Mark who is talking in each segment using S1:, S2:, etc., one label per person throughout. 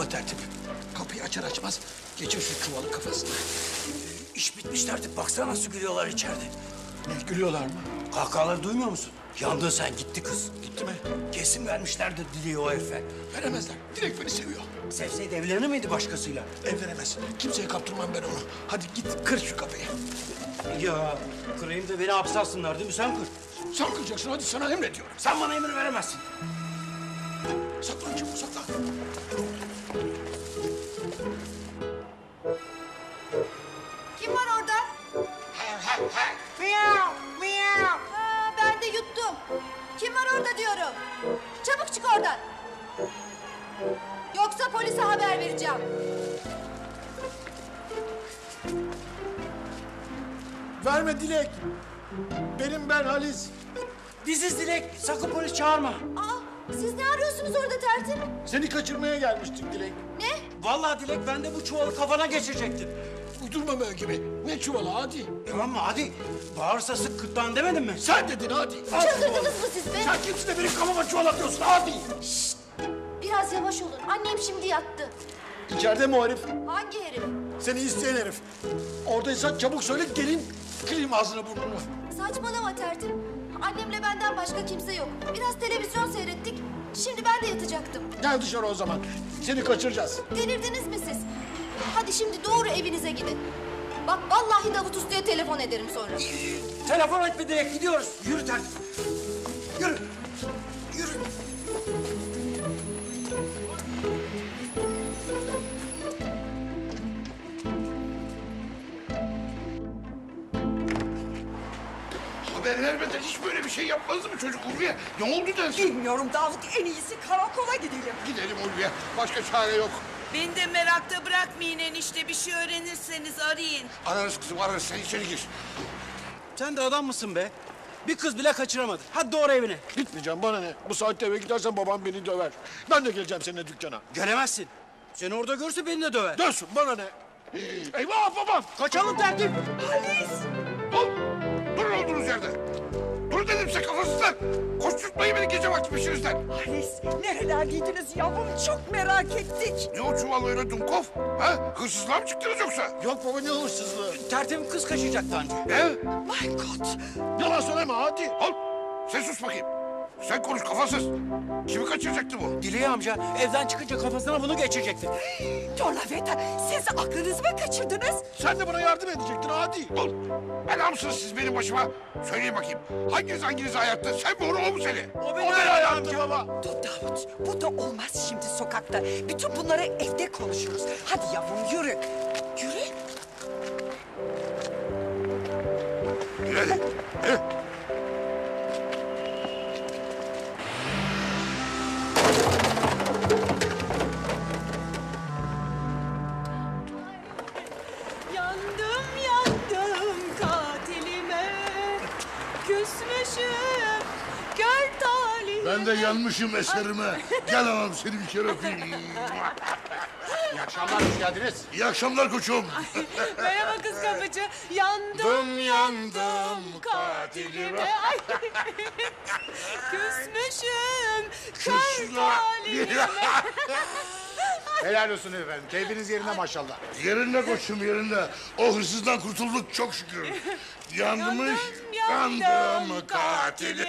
S1: Ama tertip. Kapıyı açar açmaz geçir şu çuvalı kafasına.
S2: İş bitmiş tertip. Baksana nasıl gülüyorlar içeride.
S1: Ne gülüyorlar mı?
S2: Kahkahaları duymuyor musun? Yandın sen, gitti kız.
S1: Gitti mi?
S2: Kesin vermişlerdir Dileği o herife.
S1: Veremezler. Direkt beni seviyor.
S2: Sevseydi evlenir miydi başkasıyla?
S1: Evlenemez. Kimseye kaptırmam ben onu. Hadi git kır şu kapıyı.
S2: Ya kırayım da beni hapse alsınlar değil mi? Sen kır.
S1: Sen kıracaksın, hadi sana emrediyorum.
S2: Sen bana emir veremezsin.
S1: Saklan çabuk, saklan.
S3: Kim var orada?
S2: Miyav, miyav.
S3: Ha, ben de yuttum. Kim var orada diyorum. Çabuk çık oradan. Yoksa polise haber vereceğim.
S1: Verme Dilek. Benim ben Halis.
S2: Biziz Dilek. Sakın polis çağırma.
S3: Aa, siz ne arıyorsunuz orada tertip?
S1: Seni kaçırmaya gelmiştik Dilek.
S3: Ne?
S2: Vallahi Dilek, ben de bu çuvalı kafana geçirecektim.
S1: Uydurma böyle gibi. Ne çuvalı hadi.
S2: Tamam mı? Hadi. Bağırsa sık kırtlağını demedin mi?
S1: Sen dedin hadi.
S3: Çıldırdınız mı siz be?
S1: Sen kimsin de benim kafama çuval atıyorsun hadi.
S3: Biraz yavaş olun. Annem şimdi yattı.
S1: İçeride mi o herif?
S3: Hangi herif?
S1: Seni isteyen herif. Oradaysan çabuk söyle gelin kırayım ağzını burnunu.
S3: Saçmalama tertip. Annemle benden başka kimse yok. Biraz televizyon seyrettik. Şimdi ben de yatacaktım.
S1: Gel dışarı o zaman. Seni kaçıracağız.
S3: Delirdiniz mi siz? Hadi şimdi doğru evinize gidin. Bak vallahi Davut Usta'ya telefon ederim sonra.
S2: Telefon etme Dilek, gidiyoruz. Yürü tertip. Yürü. Yürü.
S4: Haber vermeden hiç böyle bir şey yapmazdı mı çocuk Ulviye? Ne oldu dersin?
S5: Bilmiyorum Davut, en iyisi karakola gidelim.
S4: Gidelim Ulviye. Başka çare yok.
S6: Beni de merakta bırakmayın enişte. Bir şey öğrenirseniz arayın.
S4: Ararız kızım ararız. Sen içeri gir.
S2: Sen de adam mısın be? Bir kız bile kaçıramadın. Hadi doğru evine.
S1: Gitmeyeceğim bana ne? Bu saatte eve gidersen babam beni döver. Ben de geleceğim seninle dükkana.
S2: Gelemezsin. Seni orada görse beni de döver.
S1: Dönsün bana ne? Eyvah babam!
S2: Kaçalım tertip.
S4: Dur. Durun olduğunuz yerde. Dur dedim size kafasızlar. Koşturtmayın beni gece vakti peşinizden.
S5: Halis, nerelerdeydiniz yavrum? Çok merak ettik.
S4: Ne o çuval öyle Dumkov? Ha? Hırsızlığa mı çıktınız yoksa?
S1: Yok baba ne hırsızlığı?
S2: Tertip'in kız kaçacaktı anca.
S4: Ne?
S5: My God.
S1: Yalan söyleme hadi.
S4: Al. Sen sus bakayım. Sen konuş kafasız. Kimi kaçıracaktı bu?
S2: Dileği amca evden çıkınca kafasına bunu geçirecekti.
S5: Torlaveta, siz aklınızı mı kaçırdınız?
S1: Sen de bana yardım edecektin hadi.
S4: Dur. Bela mısınız siz benim başıma? Söyleyin bakayım. Hanginiz hayatta? Sen mi o mu seni?
S2: O beni
S1: Hayatım baba.
S5: Dur Davut, bu da olmaz şimdi sokakta. Bütün bunları evde konuşuruz. Hadi yavrum yürü. Yürü.
S4: Yürü hadi. Yürü.
S6: Yandım yandım katilime. Küsmüşüm kör talihime.
S4: Ben de yanmışım eserime. Gel anam seni bir kere öpeyim.
S1: İyi akşamlar, hoş geldiniz.
S4: İyi akşamlar koçum.
S6: Merhaba kız kapıcı. Yandım
S4: yandım
S6: katilime. Ay. Küsmüşüm kör talihime.
S7: Helal olsun efendim. Keyfiniz yerinde maşallah.
S4: Yerinde koçum yerinde. O hırsızdan kurtulduk çok şükür. Yanmış yandım katili.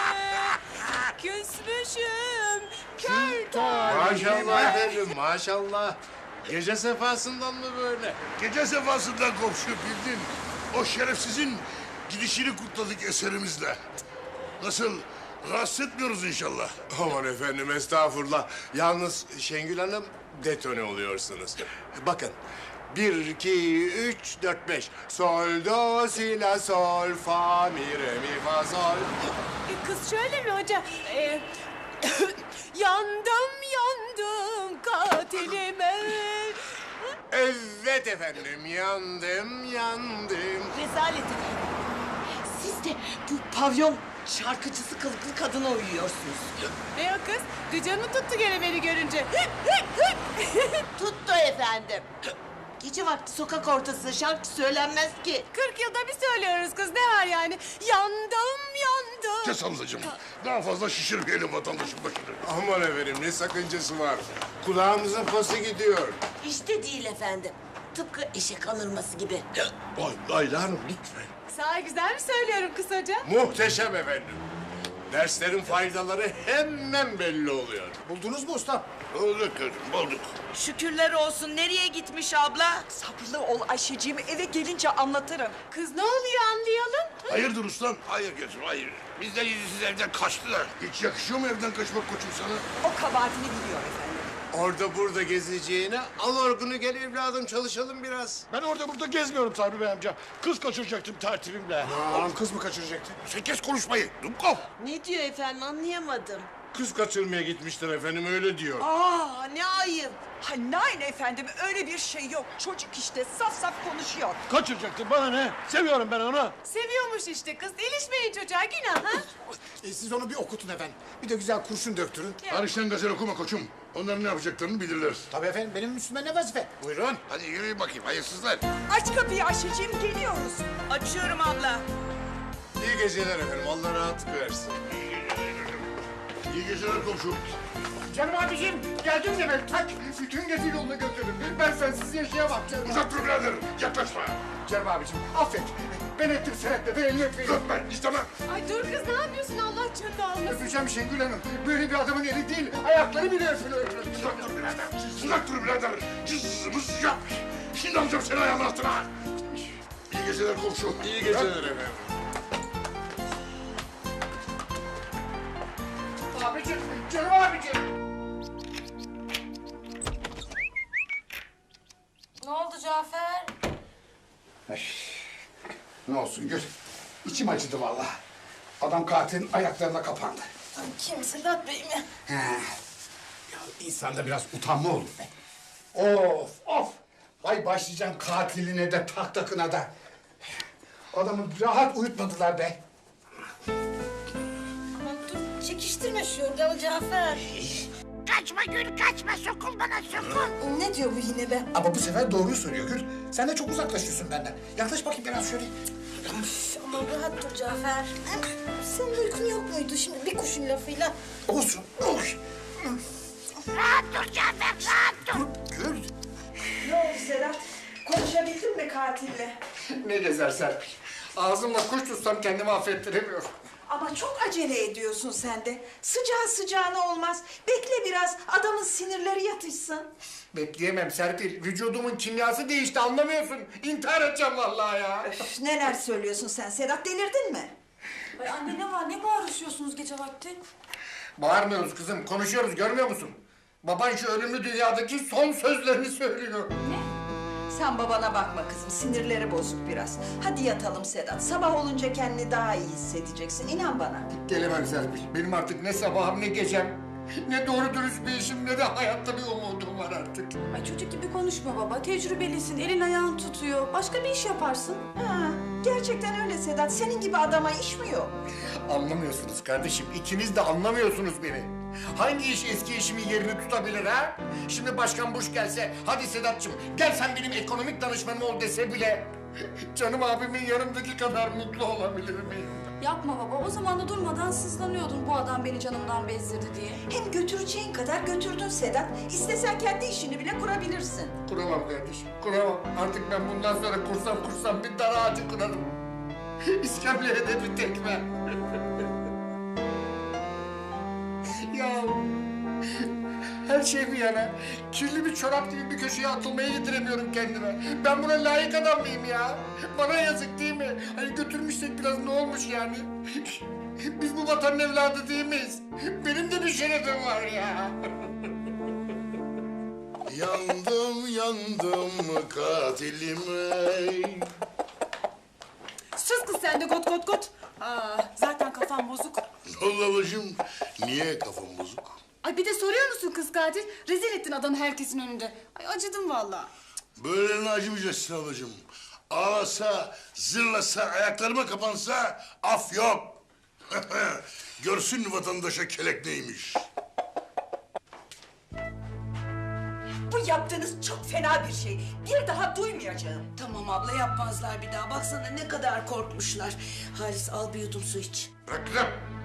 S6: Küsmüşüm kör talihime.
S7: Maşallah efendim maşallah. Gece sefasından mı böyle?
S4: Gece sefasından komşu bildin. O şerefsizin gidişini kutladık eserimizle. Nasıl? Rahatsız etmiyoruz inşallah.
S7: Aman efendim estağfurullah. Yalnız Şengül Hanım detone oluyorsunuz. Bakın. 1, 2, 3, 4, 5. Sol, do, si, la, sol, fa, mi, re, mi, fa, sol.
S6: Kız şöyle mi hoca? Yandım yandım katilime.
S7: Evet efendim yandım yandım.
S5: Rezalet efendim. Siz de bu pavyon şarkıcısı kılıklı kadına uyuyorsunuz.
S6: Ne o kız? Gıcan mı tuttu gene beni görünce?
S8: Tuttu efendim. Gece vakti sokak ortasında şarkı söylenmez ki.
S6: 40 yılda bir söylüyoruz kız, ne var yani? Yandım yandım
S4: Kes ablacığım. Daha fazla şişirmeyelim vatandaşın başını.
S7: Aman efendim ne sakıncası var? Kulağımızın pası gidiyor.
S8: İşte değil efendim. Tıpkı eşek alınması gibi.
S4: Ayla Hanım lütfen.
S6: Sağ güzel mi söylüyorum kısaca?
S7: Muhteşem efendim. Derslerin faydaları hemen belli oluyor.
S1: Buldunuz mu ustam?
S4: Bulduk kızım, bulduk.
S6: Şükürler olsun. Nereye gitmiş abla?
S5: Sabırlı ol Ayşeciğim, eve gelince anlatırım.
S6: Kız ne oluyor anlayalım.
S4: Hayırdır ustam? Hayır gözüm, hayır. Bizden yüzsüz evden kaçtılar. Hiç yakışıyor mu evden kaçmak koçum sana?
S5: O kabahatini biliyor efendim.
S7: Orada burada gezeceğine al orgunu gel evladım çalışalım biraz.
S1: Ben orada burada gezmiyorum Sabri Bey amca. Kız kaçıracaktım tertibimle.
S7: Aman kız mı kaçıracaktı?
S4: Sen kes konuşmayı. Dumkov.
S8: Ne diyor efendim anlayamadım.
S7: Kız kaçırmaya gitmişler efendim öyle diyor.
S8: Aa ne ayıp.
S5: Ha nein efendim, öyle bir şey yok. Çocuk işte saf saf konuşuyor.
S1: Kaçıracaktım bana ne? Seviyorum ben onu.
S6: Seviyormuş işte kız. İlişmeyin çocuğa günah ha.
S1: Siz onu bir okutun efendim. Bir de güzel kurşun döktürün.
S4: Hariçten gazel okuma koçum. Onların ne yapacaklarını bilirler.
S1: Tabii efendim benim üstüme ne vazife?
S7: Buyurun.
S4: Hadi yürüyün bakayım hayırsızlar.
S5: Aç kapıyı Ayşeciğim, geliyoruz.
S6: Açıyorum abla.
S7: İyi geceler efendim Allah rahatlık versin.
S4: İyi geceler komşum.
S1: Canım abiciğim geldim demek tak. Bütün gece yolunu götürdüm. Ben sensiz yaşayamam canım.
S4: Uzak dur birader. Yaklaşma.
S1: Canım abiciğim affet. Ben ettim senetle de elini öpeyim.
S4: Öpme istemem.
S6: Ay dur kız ne yapıyorsun Allah canını almasın.
S1: Öpeceğim Şengül Hanım. Böyle bir adamın eli değil. Ayakları bile öpülür.
S4: Uzak dur birader. Uzak dur birader. Cız yap. Şimdi alacağım seni ayağımın altına. İyi geceler komşu.
S7: İyi geceler efendim.
S1: Abicim, canım abicim.
S3: Ne oldu Cafer?
S1: Ne olsun Gül. İçim acıdı vallahi. Adam katilin ayaklarına kapandı.
S3: Kim, Sedat Bey mi?
S1: He. Ya insanda biraz utanma olur be. Of of. Vay başlayacağım katiline de tahtakına da. Adamı rahat uyutmadılar be.
S3: Aman dur, çekiştirme şu yorganı Cafer.
S8: Kaçma Gül kaçma sokul bana sokul.
S3: Ne diyor bu yine be?
S1: Ama bu sefer doğruyu söylüyor Gül. Sen de çok uzaklaşıyorsun benden. Yaklaş bakayım biraz şöyle.
S3: Aman rahat dur Cafer. Senin uykun yok muydu şimdi bir kuşun lafıyla?
S1: Olsun. Oy.
S8: Rahat dur Cafer rahat dur.
S1: Gül.
S5: Ne oldu Sedat? Konuşabildin mi katille?
S1: Ne gezer Serpil. Ağzımla kuş tutsam kendimi affettiremiyorum.
S5: Ama çok acele ediyorsun sen de. Sıcağı sıcağına olmaz. Bekle biraz, adamın sinirleri yatışsın.
S1: Bekleyemem Serpil. Vücudumun kimyası değişti anlamıyorsun. İntihar edeceğim vallahi ya.
S5: Üf, neler söylüyorsun sen Sedat, delirdin mi?
S3: Ay anne ne var? Ne bağırışıyorsunuz gece vakti?
S1: Bağırmıyoruz kızım. Konuşuyoruz görmüyor musun? Baban şu ölümlü dünyadaki son sözlerini söylüyor.
S5: Sen babana bakma kızım, sinirleri bozuk biraz. Hadi yatalım Sedat, sabah olunca kendini daha iyi hissedeceksin, inan bana.
S1: Gelemem Serpil. Benim artık ne sabahım ne gecem. Ne doğru dürüst bir işim ne de hayatta bir umudum var artık.
S9: Ay çocuk gibi konuşma baba. Tecrübelisin, elin ayağın tutuyor. Başka bir iş yaparsın.
S5: Ha, gerçekten öyle Sedat, senin gibi adama iş mi yok?
S1: Anlamıyorsunuz kardeşim. İkiniz de anlamıyorsunuz beni. Hangi iş eski işimin yerini tutabilir ha? Şimdi Başkan Bush gelse, hadi Sedat'cığım gel sen benim ekonomik danışmanım ol dese bile... ...canım abimin yanımdaki kadar mutlu olabilir miyim?
S9: Yapma baba. O zaman da durmadan sızlanıyordun bu adam beni canımdan bezdirdi diye.
S5: Hem götüreceğin kadar götürdün Sedat. İstesen kendi işini bile kurabilirsin.
S1: Kuramam kardeşim, kuramam. Artık ben bundan sonra kursam bir dar ağacı kurarım. İskemleye de bir tekme. Ya her şey bir yana, kirli bir çorap gibi bir köşeye atılmaya yediremiyorum kendime. Ben buna layık adam mıyım ya? Bana yazık değil mi? Hani götürmüşsek biraz ne olmuş yani? Biz bu vatanın evladı değil miyiz? Benim de bir şerefim var ya.
S4: Yandım katilime.
S6: Sus kız sen de kot kot kot. Aa, zaten kafam bozuk.
S4: Ne oldu ablacığım? Niye kafam bozuk?
S9: Ay bir de soruyor musun kız katil? Rezil ettin adamı herkesin önünde. Ay acıdım vallahi.
S4: Böylelerine acımayacaksın ablacığım. Ağlasa, zırlasa, ayaklarıma kapansa af yok. Görsün vatandaşa kelek neymiş.
S5: Bu yaptığınız çok fena bir şey. Bir daha duymayacağım.
S6: Tamam abla yapmazlar bir daha. Baksana ne kadar korkmuşlar. Halis al bir yudum su iç.
S4: Bırak kızım.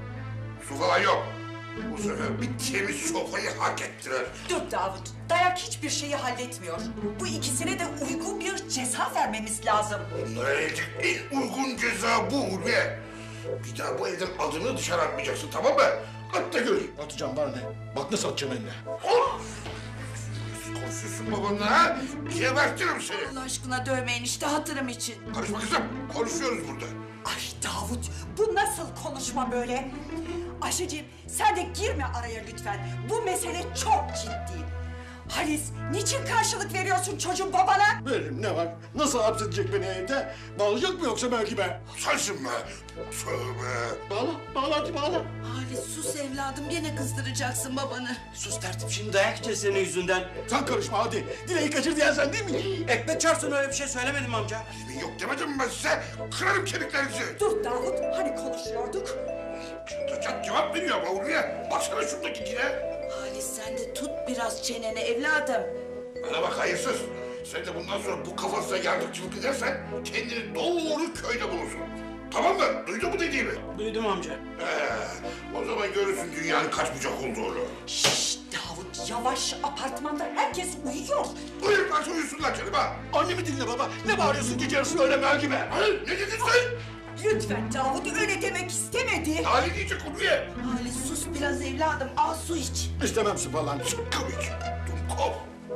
S4: Su falan yok. Bu sefer bir temiz sopayı hak ettiler.
S5: Dur Davut, dayak hiçbir şeyi halletmiyor. Bu ikisine de uygun bir ceza vermemiz lazım.
S4: Bunlara verilecek en uygun ceza bu Ulviye. Bir daha bu evden adını dışarı atmayacaksın, tamam mı? At da gör.
S1: Atacağım bana ne? Bak nasıl atacağım eline.
S4: Konuşuyorsun babanla ha? Gebertirim seni.
S6: Allah aşkına dövme enişte hatırım için.
S4: Karışma kızım. Konuşuyoruz burada.
S5: Ay Davut, bu nasıl konuşma böyle? Ayşeciğim, sen de girme araya lütfen. Bu mesele çok ciddi. Halis, niçin karşılık veriyorsun çocuğun babana?
S1: Veririm ne var? Nasıl hapsedecek beni evde? Bağlayacak mı yoksa belki be?
S4: Sensin be. Tövbe.
S1: Bağla hadi bağla.
S6: Halis sus evladım gene kızdıracaksın babanı.
S2: Sus tertip, şimdi dayak yiyeceğiz senin yüzünden.
S1: Sen karışma hadi. Dileği kaçır diyen sen değil mi?
S2: Ekmek çarpsın, öyle bir şey söylemedim amca.
S4: Yemin yok demedim mi ben size? Kırarım kemiklerinizi.
S5: Dur Davut, hani konuşuyorduk?
S4: Çıldıracak cevap veriyor ama Ulviye. Baksana şuradaki kine.
S6: Halis sen de tut biraz çeneni evladım.
S4: Bana bak hayırsız. Sen de bundan sonra bu kafasına yardımcılık edersen kendini doğru köyde bulursun. Tamam mı? Duydun mu dediğimi?
S2: Duydum amca.
S4: O zaman görürsün dünyanın kaç bucak olduğunu.
S5: Şşş Davut, yavaş, apartmanda herkes uyuyor.
S4: Uyurlarsa uyusunlar canım ha.
S1: Annemi dinle baba. Ne bağırıyorsun gece yarısı öyle mel gibi?
S4: Hayır, ne dedin sen?
S5: Lütfen Davut, öyle demek istemedi.
S4: Ali diyecek Ulviye.
S6: Halis sus biraz evladım al su iç.
S1: İstemem su falan.
S4: Komik. Dumkop.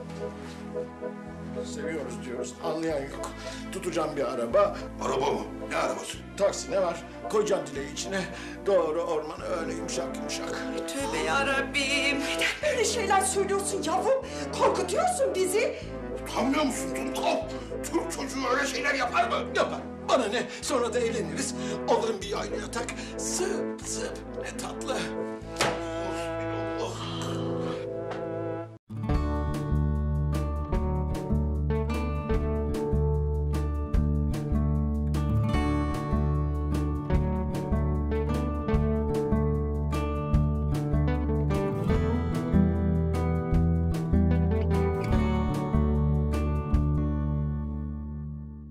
S1: Seviyoruz diyoruz. Anlayan yok. Tutacağım bir araba.
S4: Araba mı? Ne arabası?
S1: Taksi ne var? Koyacağım dileği içine. Doğru ormana öyle yumuşak yumuşak.
S6: Tövbe yarabbim.
S5: Neden böyle şeyler söylüyorsun yavrum? Korkutuyorsun bizi.
S4: Utanmıyor musun Dumkop? Türk çocuğu öyle şeyler yapar mı?
S1: Yapar. Bana ne? Sonra da evleniriz. Alırım bir yaylı yatak. Zıp zıp. Ne tatlı.